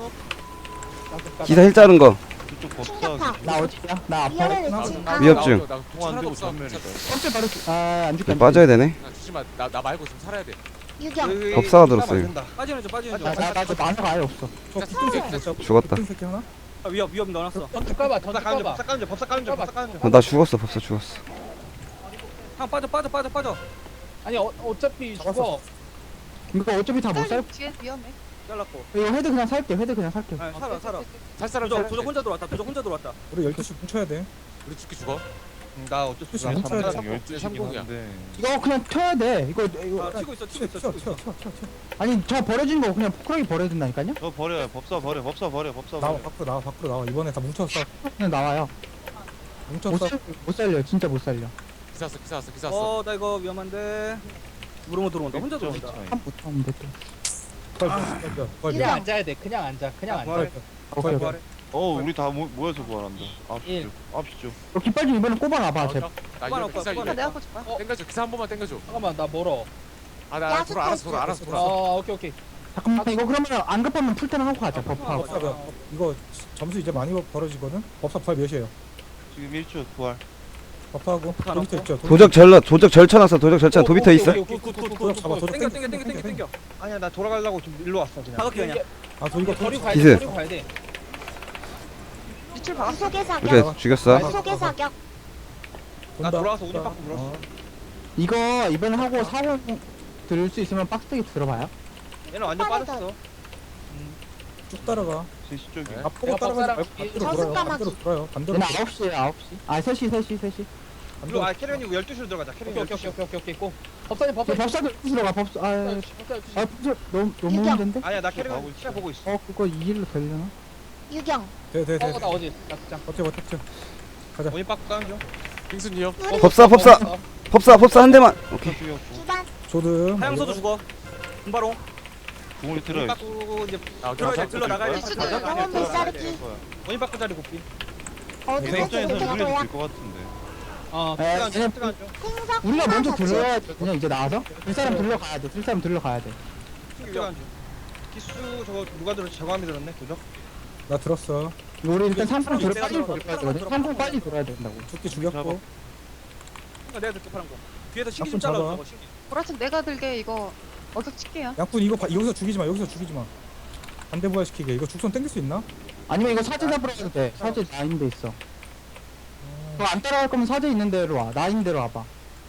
[SPEAKER 2] 기사 힐 자른 거.
[SPEAKER 6] 그쪽 법사
[SPEAKER 7] 충격파.
[SPEAKER 5] 나 어디야? 나 아파.
[SPEAKER 7] 위험을
[SPEAKER 8] 나-
[SPEAKER 7] 외친
[SPEAKER 8] 나-
[SPEAKER 7] 아.
[SPEAKER 2] 위협증.
[SPEAKER 8] 나- 나
[SPEAKER 6] 공 안 되고
[SPEAKER 8] 없어.
[SPEAKER 6] 전면이다
[SPEAKER 5] 깜짝 바르지. 아안 죽게.
[SPEAKER 2] 빠져야 되네.
[SPEAKER 8] 나 주지 마. 나 나 말고 좀 살아야 돼.
[SPEAKER 7] 유경.
[SPEAKER 2] 법사가 들었어, 이거.
[SPEAKER 10] 빠지는 중. 빠지는 중.
[SPEAKER 5] 나나나 만화가 아예 없어.
[SPEAKER 3] 저 붙은 새끼 못 잡고.
[SPEAKER 2] 죽었다.
[SPEAKER 3] 붙은 새끼 하나?
[SPEAKER 10] 아, 위협 위협 넣어놨어.
[SPEAKER 9] 더 까봐. 더
[SPEAKER 1] 법사 까는 중
[SPEAKER 9] 까봐.
[SPEAKER 1] 법사 까는 중 법사 까는 중 법사 까는 중.
[SPEAKER 2] 어, 나 죽었어 법사 죽었어.
[SPEAKER 10] 형 빠져 빠져 빠져 빠져.
[SPEAKER 9] 아니 어, 어차피
[SPEAKER 3] 잡았어.
[SPEAKER 9] 죽어.
[SPEAKER 5] 이거 어차피 다 못 살.
[SPEAKER 7] 뒤에 위험해.
[SPEAKER 10] 잘랐고.
[SPEAKER 5] 이거 헤드 그냥 살게. 헤드 그냥 살게.
[SPEAKER 10] 아, 살아 살아.
[SPEAKER 8] 살 사람
[SPEAKER 10] 도적
[SPEAKER 8] 살아야
[SPEAKER 10] 도적
[SPEAKER 8] 돼.
[SPEAKER 10] 혼자 들어왔다. 도적 혼자 들어왔다.
[SPEAKER 3] 우리 열두 시 뭉쳐야 돼.
[SPEAKER 8] 우리 죽기 죽어.
[SPEAKER 1] 음, 나 어쩔 수
[SPEAKER 3] 나
[SPEAKER 1] 없어.
[SPEAKER 3] 훔쳐야 돼.
[SPEAKER 6] 열두 시긴
[SPEAKER 8] 삼공이야.
[SPEAKER 6] 한데
[SPEAKER 5] 이거 그냥 켜야 돼. 이거 이거
[SPEAKER 10] 아 치고 있어 치고 있어
[SPEAKER 3] 튀어
[SPEAKER 10] 치고
[SPEAKER 3] 튀어
[SPEAKER 10] 있어.
[SPEAKER 3] 튀어 튀어 튀어.
[SPEAKER 5] 아니 저 버려진 거 그냥 포크라기 버려야 된다니까요?
[SPEAKER 6] 저 버려 법사 버려 법사 버려 법사
[SPEAKER 3] 나와
[SPEAKER 6] 버려
[SPEAKER 3] 밖으로 나와 밖으로 나와. 이번에 다 뭉쳤어.
[SPEAKER 5] 그냥 나와요. 못,
[SPEAKER 3] 뭉쳤어.
[SPEAKER 5] 살, 못 살려. 진짜 못 살려.
[SPEAKER 8] 기사 왔어 기사 왔어 기사 왔어.
[SPEAKER 10] 어 나 이거 위험한데. 무릎으로 들어온다. 혼자
[SPEAKER 6] 점
[SPEAKER 10] 들어온다.
[SPEAKER 6] 차이.
[SPEAKER 5] 한 못하면 돼 또.
[SPEAKER 3] 부활 부활 부활.
[SPEAKER 9] 그냥 앉아야 돼. 그냥 앉아. 그냥 앉아.
[SPEAKER 3] 부활
[SPEAKER 5] 오케이.
[SPEAKER 3] 부활.
[SPEAKER 6] 어 우리 다 모, 모여서 부활한다 아홉
[SPEAKER 9] 일.
[SPEAKER 6] 시 아홉 시죠
[SPEAKER 5] 너 깃발 좀 이번에 꼽아놔봐. 제.
[SPEAKER 8] 나
[SPEAKER 10] 그만
[SPEAKER 8] 이거
[SPEAKER 10] 없고,
[SPEAKER 8] 기사
[SPEAKER 10] 그만
[SPEAKER 8] 이거.
[SPEAKER 7] 내가 보지 마.
[SPEAKER 8] 땡겨줘 기사 한 번만 땡겨줘.
[SPEAKER 9] 잠깐만 나 멀어.
[SPEAKER 8] 아나 돌아 알았어 돌아 알았어 돌아.
[SPEAKER 9] 어 오케이 오케이.
[SPEAKER 5] 잠깐만 이거 그러면 안 급하면 풀테는 하고 가자. 법하고.
[SPEAKER 3] 법사 몇- 이거 점수 이제 많이 벌어지거든. 법사 부활 몇이에요?
[SPEAKER 6] 지금 일 초 부활
[SPEAKER 3] 법하고
[SPEAKER 10] 다
[SPEAKER 3] 도비터
[SPEAKER 10] 넣고.
[SPEAKER 3] 있죠.
[SPEAKER 2] 도적 절러 도적 절쳐놨어 도적 절쳐 도비터 있어?
[SPEAKER 3] 도적 잡아. 도적
[SPEAKER 10] 땡겨 땡겨 땡겨 땡겨 땡겨.
[SPEAKER 1] 아니야 나 돌아가려고 좀 일로 왔어 그냥.
[SPEAKER 10] 다각기 그냥.
[SPEAKER 3] 아 저 이거
[SPEAKER 9] 버리고
[SPEAKER 3] 도
[SPEAKER 9] 가야
[SPEAKER 2] 기세.
[SPEAKER 9] 돼. 버리고 가야 돼.
[SPEAKER 7] 유출 박았어. 속의 사격.
[SPEAKER 2] 오케이 죽였어.
[SPEAKER 7] 속의 사격.
[SPEAKER 1] 나 돌아와서 우리 밖으로 물었어.
[SPEAKER 3] 어.
[SPEAKER 5] 이거 이번에 하고 사고 들을 수 있으면 박스테기 들어봐요.
[SPEAKER 1] 얘는 완전 빠졌어.
[SPEAKER 3] 쭉 따라가.
[SPEAKER 6] 세 시 쪽에
[SPEAKER 3] 앞보고
[SPEAKER 9] 내가
[SPEAKER 3] 따라가지
[SPEAKER 9] 법사랑
[SPEAKER 3] 말고 반대로
[SPEAKER 7] 저승
[SPEAKER 3] 돌아요.
[SPEAKER 7] 까마귀.
[SPEAKER 3] 반대로 돌아요. 반대로.
[SPEAKER 5] 얘는 아홉 시에 아홉 시. 아 세 시 세 시 세 시.
[SPEAKER 1] 일로 아 캐리언이고 열두 시로 들어가자.
[SPEAKER 9] 오케이
[SPEAKER 1] 캐리언
[SPEAKER 9] 오케이
[SPEAKER 1] 열두 시.
[SPEAKER 9] 오케이 오케이 오케이 고. 법사님
[SPEAKER 5] 저
[SPEAKER 9] 법사님.
[SPEAKER 5] 법사도 열두 시로 가. 법사. 아, 아,
[SPEAKER 9] 법사님.
[SPEAKER 5] 아 법사 너무 너무
[SPEAKER 7] 유경.
[SPEAKER 5] 힘든데?
[SPEAKER 1] 아니야 나 캐리언 시야 보고 있어.
[SPEAKER 5] 어 그거 이 일로 되려나?
[SPEAKER 7] 유경.
[SPEAKER 3] 돼돼 돼.
[SPEAKER 9] 어나 어디? 나 진짜.
[SPEAKER 3] 버텨 버텨 버텨.
[SPEAKER 1] 원인 바꾸 까는 중.
[SPEAKER 8] 빙순이 형.
[SPEAKER 2] 법사 법사 법사 법사 한 대만. 오케이.
[SPEAKER 6] 죽였고
[SPEAKER 7] 주반.
[SPEAKER 3] 조드.
[SPEAKER 10] 하양서도 죽어. 분바로.
[SPEAKER 6] 공을
[SPEAKER 1] 원인
[SPEAKER 6] 들어야
[SPEAKER 1] 바꾸고 이제
[SPEAKER 8] 아
[SPEAKER 10] 들어야 돼.
[SPEAKER 8] 기사
[SPEAKER 10] 들러 나가야 돼.
[SPEAKER 7] 필수도
[SPEAKER 10] 가자.
[SPEAKER 7] 영혼 불사르기.
[SPEAKER 1] 원인 바꾸 자리 곱비.
[SPEAKER 7] 어둠의
[SPEAKER 6] 내 입장에서는
[SPEAKER 7] 징표가
[SPEAKER 6] 물려도
[SPEAKER 7] 도약.
[SPEAKER 6] 될것 같은데
[SPEAKER 9] 어.
[SPEAKER 5] 에,
[SPEAKER 1] 뜨간 중
[SPEAKER 5] 얘는
[SPEAKER 1] 뜨간 중.
[SPEAKER 7] 생석.
[SPEAKER 5] 우리가 먼저
[SPEAKER 7] 자체.
[SPEAKER 5] 들러야 돼. 그냥 이제 나와서 들 사람 들러 가야 돼. 들 사람 들러 가야 돼.
[SPEAKER 1] 뜨간 중. 기수 저거 누가 들었지? 저감이 들었네. 도적.
[SPEAKER 3] 나 들었어.
[SPEAKER 5] 이거 우리 일단 삼 분
[SPEAKER 10] 들어,
[SPEAKER 5] 들어 빨리
[SPEAKER 10] 들어,
[SPEAKER 5] 돌아야
[SPEAKER 10] 들어,
[SPEAKER 5] 되거든.
[SPEAKER 10] 들어,
[SPEAKER 5] 삼 분
[SPEAKER 10] 들어.
[SPEAKER 5] 빨리 돌아야 된다고.
[SPEAKER 3] 죽기 죽였고.
[SPEAKER 10] 내가 들게 파란 거. 뒤에서 신기 좀
[SPEAKER 3] 앞으로
[SPEAKER 10] 잘라.
[SPEAKER 3] 잡아.
[SPEAKER 10] 저거 신기.
[SPEAKER 7] 보라색 내가 들게 이거 어격 칠게요.
[SPEAKER 3] 양꾼 이거 바, 여기서 죽이지 마. 여기서 죽이지 마. 반대 부활 시키게. 이거 죽선 땡길 수 있나?
[SPEAKER 5] 아니면 이거 사제 잡으러 가도 돼. 사제 나인데 있어. 그거 안 따라갈 거면 사제 있는 데로 와. 나인 데로 와봐.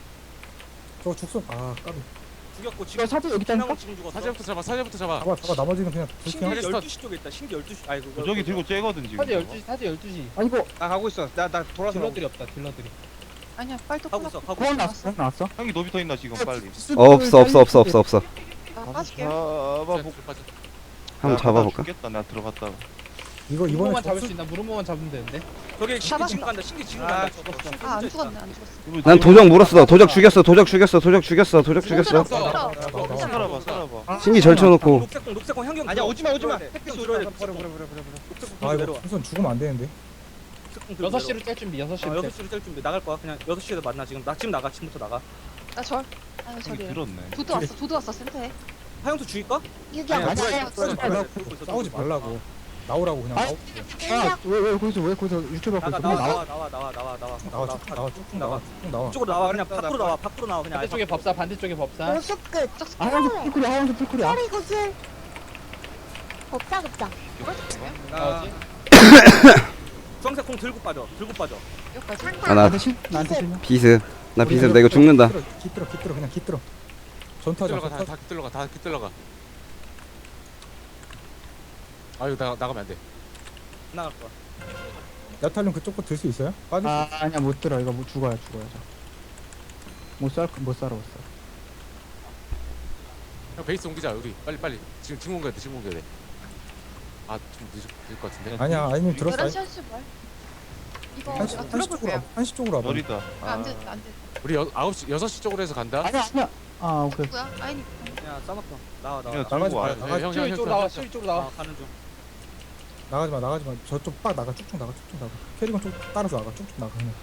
[SPEAKER 3] 저거 죽선. 아 까비.
[SPEAKER 10] 죽였고
[SPEAKER 5] 이거
[SPEAKER 10] 지금
[SPEAKER 5] 사제 여기 있다니까?
[SPEAKER 10] 한명 지금 죽었어.
[SPEAKER 8] 사제부터 잡아 사제부터 잡아.
[SPEAKER 3] 잡아 잡아. 나머지는 그냥
[SPEAKER 10] 신기
[SPEAKER 3] 불킹.
[SPEAKER 8] 헬스턴.
[SPEAKER 10] 열두 시 쪽에 있다. 신기 열두 시. 아이고.
[SPEAKER 6] 도적이 들고 째거든 지금
[SPEAKER 9] 사제 열두 시. 사제 열두 시.
[SPEAKER 5] 아니 이거
[SPEAKER 1] 나 가고 있어. 나 나 돌아서.
[SPEAKER 9] 딜러들이 없다. 딜러들이.
[SPEAKER 7] 아니야 빨리 또
[SPEAKER 10] 가고 있어. 가고
[SPEAKER 5] 구원
[SPEAKER 10] 있어.
[SPEAKER 5] 났어. 구원 났어.
[SPEAKER 6] 형이 노비 더 있나 지금 빨리
[SPEAKER 2] 어, 없어 없어 없어 없어 없어.
[SPEAKER 7] 나 빠질게요.
[SPEAKER 6] 잡아
[SPEAKER 8] 기사 빠져.
[SPEAKER 2] 한번 잡아볼까?
[SPEAKER 6] 죽겠다 나 들어갔다가
[SPEAKER 3] 이거 이번에
[SPEAKER 9] 무릎만 잡을
[SPEAKER 3] 접수-
[SPEAKER 9] 수 있나? 무릎만 잡으면 되는데.
[SPEAKER 10] 저기 신기
[SPEAKER 7] 잡았어.
[SPEAKER 10] 지금 간다. 신기 지금
[SPEAKER 1] 아,
[SPEAKER 10] 간다.
[SPEAKER 1] 죽었어.
[SPEAKER 10] 저거 신기
[SPEAKER 7] 아 안
[SPEAKER 10] 혼자 있다.
[SPEAKER 7] 죽었네 안 죽었어.
[SPEAKER 6] 이거
[SPEAKER 2] 난
[SPEAKER 6] 노비
[SPEAKER 2] 도적 물었어. 도적 죽였어. 도적 죽였어. 도적 죽였어. 도적 죽였어.
[SPEAKER 8] 없어.
[SPEAKER 3] 나와, 나와, 나와.
[SPEAKER 6] 살아봐 살아봐
[SPEAKER 2] 신기 절쳐놓고.
[SPEAKER 10] 녹색공 녹색공 향경.
[SPEAKER 1] 아니야 오지마 오지마.
[SPEAKER 10] 햇빛
[SPEAKER 1] 햇빛
[SPEAKER 10] 들어야 돼.
[SPEAKER 1] 버려 버려 버려 버려 버려.
[SPEAKER 10] 녹색공
[SPEAKER 3] 아 이거
[SPEAKER 10] 내려와.
[SPEAKER 3] 우선 죽으면 안 되는데.
[SPEAKER 10] 녹색공 들고
[SPEAKER 9] 여섯
[SPEAKER 10] 내려와.
[SPEAKER 9] 시로 짤 준비. 여섯
[SPEAKER 10] 어,
[SPEAKER 9] 시로
[SPEAKER 10] 여섯
[SPEAKER 9] 짤.
[SPEAKER 10] 시로 뗄 준비 나갈 거야. 그냥 여섯 시에도 만나 지금. 나 지금 나가. 지금부터 나가.
[SPEAKER 7] 나 절. 아유
[SPEAKER 6] 형이
[SPEAKER 7] 절이야.
[SPEAKER 6] 들었네
[SPEAKER 7] 도드 왔어. 도드 왔어 센터에.
[SPEAKER 10] 하영수 죽일까?
[SPEAKER 7] 유경.
[SPEAKER 10] 아니야,
[SPEAKER 7] 맞아요.
[SPEAKER 10] 그러지
[SPEAKER 3] 말라고.
[SPEAKER 10] 들고 있어,
[SPEAKER 3] 싸우지
[SPEAKER 10] 들고 있어.
[SPEAKER 3] 말라고. 나오라고 그냥
[SPEAKER 5] 아,
[SPEAKER 3] 나오.
[SPEAKER 5] 아왜 왜 거기서 왜 거기서 유튜브
[SPEAKER 10] 나가
[SPEAKER 5] 갖고
[SPEAKER 10] 나와
[SPEAKER 5] 있어?
[SPEAKER 10] 나와 나와 나와 나와 나와
[SPEAKER 3] 나와 쭉 나와 쭉쭉 나와 쭉 나와.
[SPEAKER 10] 이쪽으로 나와 그냥 밖으로 나와 밖으로 나와 그냥
[SPEAKER 9] 반대쪽에 법사 반대쪽에 법사.
[SPEAKER 11] 노숙끝
[SPEAKER 5] 아 하얀색 풀쿨이야 하얀색 풀쿨이야.
[SPEAKER 11] 허리 구슬 법사 급장
[SPEAKER 1] 나
[SPEAKER 10] 주황색 공 들고 빠져 들고 빠져
[SPEAKER 7] 여기까지.
[SPEAKER 2] 아,
[SPEAKER 11] 상타
[SPEAKER 2] 나
[SPEAKER 5] 나한테 실 나한테 실명.
[SPEAKER 2] 비습 나 비습 나 이거 죽는다.
[SPEAKER 3] 깃들어 깃들어 그냥 깃들어. 전투하자.
[SPEAKER 8] 깃들러가
[SPEAKER 3] 전투.
[SPEAKER 8] 다다 깃들러가 다 깃들러가. 아 이거 나 나가면 안 돼.
[SPEAKER 10] 나갈 거야
[SPEAKER 3] 야탈륨 그쪽 거 들 수 있어요? 빠질 수
[SPEAKER 5] 아 아니야 못 들어 이거 뭐 죽어요 죽어요 저. 못살못 살아 못 살아.
[SPEAKER 8] 형 베이스 옮기자 우리 빨리 빨리 지금 지금 옮겨야 돼 지금 옮겨야 돼. 아좀 늦을 늦을 것 같은데.
[SPEAKER 3] 아니야 아니면 들었어.
[SPEAKER 7] 열한 시 한시 말. 이거
[SPEAKER 3] 한시
[SPEAKER 7] 제가
[SPEAKER 3] 한시 쪽으로
[SPEAKER 7] 들어볼게요.
[SPEAKER 3] 와봐. 한시 쪽으로 와봐.
[SPEAKER 6] 머리다.
[SPEAKER 7] 안 돼, 안 돼.
[SPEAKER 8] 우리 여, 아홉 시 여섯 시 쪽으로 해서 간다.
[SPEAKER 5] 아니야 아니야. 아 오케이.
[SPEAKER 7] 누구야? 아니.
[SPEAKER 10] 야 싸먹어 나와 나와
[SPEAKER 6] 야,
[SPEAKER 10] 나와.
[SPEAKER 6] 들고 와.
[SPEAKER 3] 나가지 마.
[SPEAKER 8] 형, 형,
[SPEAKER 9] 실
[SPEAKER 8] 형,
[SPEAKER 9] 쪽으로
[SPEAKER 8] 형,
[SPEAKER 9] 나와
[SPEAKER 8] 형.
[SPEAKER 9] 실 쪽으로 나와.
[SPEAKER 10] 아, 가는 중
[SPEAKER 3] 나가지 마 나가지 마. 저쪽 빡 나가 쭉쭉 나가 쭉쭉 나가. 캐리건 쪽 따라서 나가 쭉쭉 나가 그냥.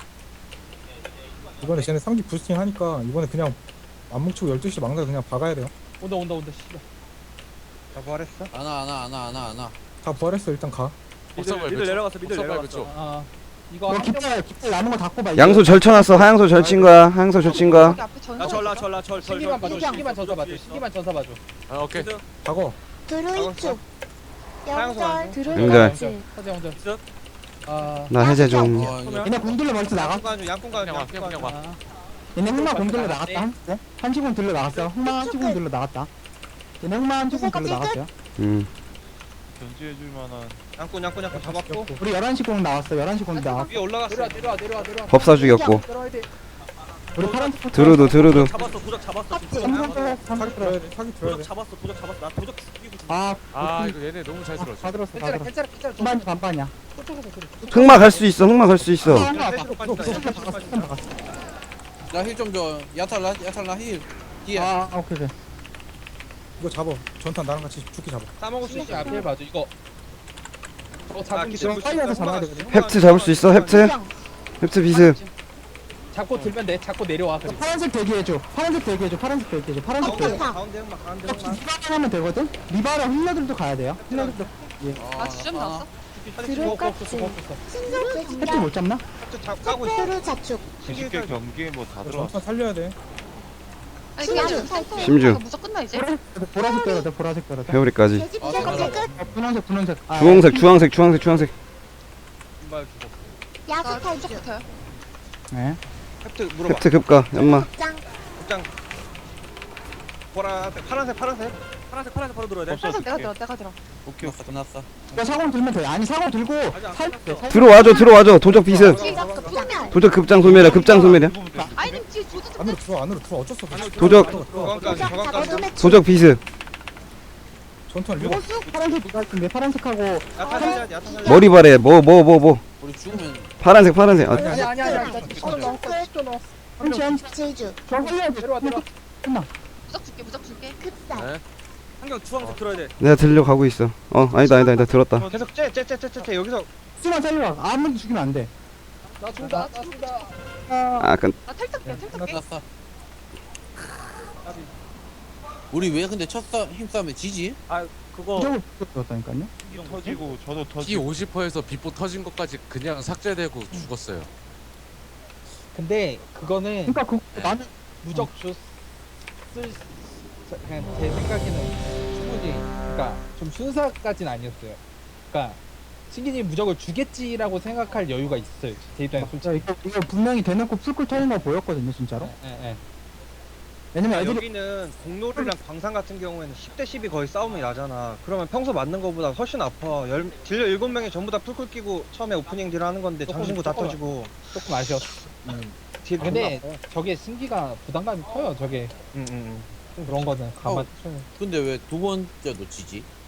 [SPEAKER 3] 이번에 쟤네 상기 부스팅 하니까 이번에 그냥 안 뭉치고 열두 시 막나 그냥 박아야 돼요.
[SPEAKER 9] 온다 온다 온다. 씨발.
[SPEAKER 1] 나 부활했어?
[SPEAKER 4] 안와 안와 안와 안와 안와.
[SPEAKER 3] 다 부활했어 일단 가.
[SPEAKER 10] 미들
[SPEAKER 8] 법사
[SPEAKER 10] 미들 내려갔어 미들
[SPEAKER 8] 법사
[SPEAKER 10] 내려갔어
[SPEAKER 8] 쪽.
[SPEAKER 9] 아 이거
[SPEAKER 5] 너
[SPEAKER 9] 한 명.
[SPEAKER 5] 깃발 깃발 남은 거 다 꼽아.
[SPEAKER 2] 양소 절쳐놨어. 하양소 절친 거야. 하양소 절친 거야.
[SPEAKER 7] 여기 앞에 전사.
[SPEAKER 10] 나절나절나절절
[SPEAKER 9] 신기만 봐줘. 신기만 전사 봐줘. 신기만 전사 봐줘.
[SPEAKER 8] 아 오케이.
[SPEAKER 3] 박어.
[SPEAKER 11] 드루이축
[SPEAKER 1] 하양소
[SPEAKER 11] 영절
[SPEAKER 1] 안
[SPEAKER 2] 영절.
[SPEAKER 9] 사제 혼자. 아.
[SPEAKER 2] 나 해제 좀.
[SPEAKER 4] 어 이거
[SPEAKER 5] 얘네 공들러 멀리 나가.
[SPEAKER 1] 양꾼 가는 양꾼 가는
[SPEAKER 8] 그냥 와
[SPEAKER 1] 양꾼
[SPEAKER 8] 그냥 그냥
[SPEAKER 1] 가는
[SPEAKER 8] 와.
[SPEAKER 9] 아.
[SPEAKER 5] 얘네 흑마 공들러 나갔다. 한 네? 한시공 들러 나갔어. 흑마 한시공 들러 나갔다. 얘네 흑마 한시공 들러 나갔어요.
[SPEAKER 2] 음.
[SPEAKER 6] 견제해줄 만한.
[SPEAKER 1] 양꾼 양꾼 양꾼 잡았고
[SPEAKER 5] 우리 열한 시 공 나왔어. 열한 시 공 나왔어.
[SPEAKER 1] 위에 올라갔어.
[SPEAKER 9] 내려와 내려와 내려와 내려와.
[SPEAKER 2] 법사 죽였고.
[SPEAKER 9] 들어와야 돼.
[SPEAKER 5] 우리 파란색 포트.
[SPEAKER 2] 드루도 드루도.
[SPEAKER 10] 잡았어 도적 잡았어
[SPEAKER 11] 하트
[SPEAKER 5] 삼성 들어 삼성
[SPEAKER 3] 사기
[SPEAKER 5] 들어.
[SPEAKER 3] 들어야 돼. 사기 들어야
[SPEAKER 10] 도적
[SPEAKER 3] 돼.
[SPEAKER 10] 잡았어 도적 잡았어 나 도적 죽이고 죽
[SPEAKER 5] 아,
[SPEAKER 8] 아 이거 얘네 너무 잘 들어.
[SPEAKER 5] 다 들었어, 다
[SPEAKER 9] 괜찮아
[SPEAKER 5] 들었어.
[SPEAKER 9] 괜찮아 괜찮아.
[SPEAKER 5] 반반 반반이야.
[SPEAKER 9] 저쪽에서 그래.
[SPEAKER 2] 흑마 갈 수 있어. 흑마 갈 수 있어.
[SPEAKER 5] 아, 하나 봐.
[SPEAKER 1] 빠진다,
[SPEAKER 5] 너
[SPEAKER 1] 빠진다.
[SPEAKER 5] 박았어, 박았어, 박았어.
[SPEAKER 4] 나 힐 좀 줘. 야탈 나 야탈 나 힐. 뒤에.
[SPEAKER 5] 아, 아, 오케이, 오케이.
[SPEAKER 3] 이거 잡어. 전탄 나랑 같이 죽기 잡어.
[SPEAKER 1] 싸먹을 수
[SPEAKER 9] 신기
[SPEAKER 1] 있어.
[SPEAKER 9] 앞에 봐줘. 이거. 저
[SPEAKER 1] 아,
[SPEAKER 9] 잡은
[SPEAKER 1] 기술
[SPEAKER 9] 게
[SPEAKER 5] 파이어도 잡아야 되거든.
[SPEAKER 2] 헵트 잡을 수 있어. 헵트. 헵트 비습.
[SPEAKER 9] 잡고 들면 돼. 잡고 내려와. 그리고.
[SPEAKER 5] 파란색 대기해줘. 파란색 대기해줘. 파란색 대기해줘. 파란색 대기.
[SPEAKER 1] 가운데 가운데 흑막 가운데 흑막.
[SPEAKER 5] 리바랑 하면 되거든? 리바랑 힐러들도 가야 돼요. 힐러들도.
[SPEAKER 7] 아 주점 나왔어?
[SPEAKER 11] 드루까치 신절제
[SPEAKER 5] 혜택
[SPEAKER 11] 진단
[SPEAKER 5] 못 잡나?
[SPEAKER 1] 저 잡- 까고 있어.
[SPEAKER 11] 흑배루 자축
[SPEAKER 6] 구십 개 경기에 뭐 다 들어왔어.
[SPEAKER 3] 전탄 살려야 돼.
[SPEAKER 7] 아니 그냥
[SPEAKER 11] 신기
[SPEAKER 7] 살짝.
[SPEAKER 2] 심주.
[SPEAKER 7] 무적 끝나 이제.
[SPEAKER 5] 보라색, 보라색 때려야 돼. 보라색 때려야 돼.
[SPEAKER 2] 회오리까지.
[SPEAKER 11] 돼지 부적까지 끝
[SPEAKER 5] 어, 분홍색, 분홍색. 아,
[SPEAKER 2] 주황색 주황색 주황색 주황색.
[SPEAKER 1] 신발 주고.
[SPEAKER 7] 나
[SPEAKER 11] 야수
[SPEAKER 7] 무적
[SPEAKER 11] 탈주
[SPEAKER 7] 붙어요.
[SPEAKER 5] 네.
[SPEAKER 1] 헵트 물어봐.
[SPEAKER 2] 헵트 급가. 연마.
[SPEAKER 11] 급장
[SPEAKER 1] 극장. 보라 파란색 파란색.
[SPEAKER 10] 파란색 파란색 바로 들어야 돼
[SPEAKER 1] 없어.
[SPEAKER 7] 살짝 내가 들어 내가 들어.
[SPEAKER 6] 오케이.
[SPEAKER 4] 끝났어 끝났어.
[SPEAKER 5] 이거 사공 들면 돼. 아니, 사공 들고 살 때. 살
[SPEAKER 2] 들어와줘 들어와줘. 도적 비습.
[SPEAKER 11] 지적 급장
[SPEAKER 2] 도적 급장 소멸이야. 급장 소멸이야.
[SPEAKER 7] 아니 뒤에 조지 좀.
[SPEAKER 3] 안으로 들어 안으로 들어 어쩔 수 없어.
[SPEAKER 2] 도적.
[SPEAKER 1] 저강까지
[SPEAKER 11] 도적
[SPEAKER 1] 저강까지.
[SPEAKER 11] 어둠의 축
[SPEAKER 2] 도적 비습.
[SPEAKER 3] 전투는 리버.
[SPEAKER 5] 호수? 파란색 누가 할텐데 파란색하고
[SPEAKER 1] 야탄 살려야 돼 야탄 살려야 돼.
[SPEAKER 2] 머리 발에 뭐 뭐 뭐 뭐.
[SPEAKER 4] 우리 죽으면
[SPEAKER 2] 파란색 파란색. 아,
[SPEAKER 9] 아니 아니 아니. 십 초 넣었어. 십 초 넣었어.
[SPEAKER 5] 한치 한치
[SPEAKER 11] 제주
[SPEAKER 5] 저 살려야 돼.
[SPEAKER 9] 내려와 내려와.
[SPEAKER 7] 무적 줄게 무적 줄게.
[SPEAKER 11] 급살
[SPEAKER 8] 네.
[SPEAKER 10] 한경 주황색 들어야 돼
[SPEAKER 2] 내가 들려 가고 있어. 어 아니다 아니다 아니다 들었다.
[SPEAKER 1] 계속 째째째째째 여기서
[SPEAKER 5] 수만 살려라. 아무도 죽이면 안 돼.
[SPEAKER 9] 나 준다. 나 준다.
[SPEAKER 2] 아 끈.
[SPEAKER 7] 나 탈탈게 탈탈게.
[SPEAKER 4] 끝났어. 우리 왜 근데 첫 싸, 힘싸움에 지지?
[SPEAKER 10] 그거
[SPEAKER 5] 무적을 들었다니까요.
[SPEAKER 6] 터지고 저도
[SPEAKER 8] 티
[SPEAKER 6] 터지고.
[SPEAKER 8] 오십 퍼센트에서 비포 터진 것까지 그냥 삭제되고 죽었어요.
[SPEAKER 9] 근데 그거는
[SPEAKER 5] 그러니까 그 나는
[SPEAKER 9] 무적 줬을 그냥 제 생각에는 충분히 그러니까 좀 순사까지는 아니었어요. 그러니까 신기님 무적을 주겠지라고 생각할 여유가 있어요. 제 입장에
[SPEAKER 5] 진짜
[SPEAKER 9] 솔직히.
[SPEAKER 5] 이거, 이거 분명히 대놓고 풀꿀 터는 거 보였거든요, 진짜로.
[SPEAKER 9] 예, 예.
[SPEAKER 5] 왜냐면 애들이
[SPEAKER 1] 여기는 공놀이랑 광산 같은 경우에는 십 대 십이 거의 싸움이 나잖아. 그러면 평소 맞는 거보다 훨씬 아파. 열, 딜러 일곱 명이 전부 다 풀쿨 끼고 처음에 오프닝 딜 하는 건데
[SPEAKER 9] 조금,
[SPEAKER 1] 장신구 다
[SPEAKER 9] 조금.
[SPEAKER 1] 터지고.
[SPEAKER 9] 조금 아쉬웠어.
[SPEAKER 1] 딜
[SPEAKER 9] 근데
[SPEAKER 1] 존나 아파.
[SPEAKER 9] 저게 승기가 부담감이 커요. 저게
[SPEAKER 1] 응, 응, 응.
[SPEAKER 9] 좀 그런 거는 가만.
[SPEAKER 4] 근데 왜 두 번째도 지지?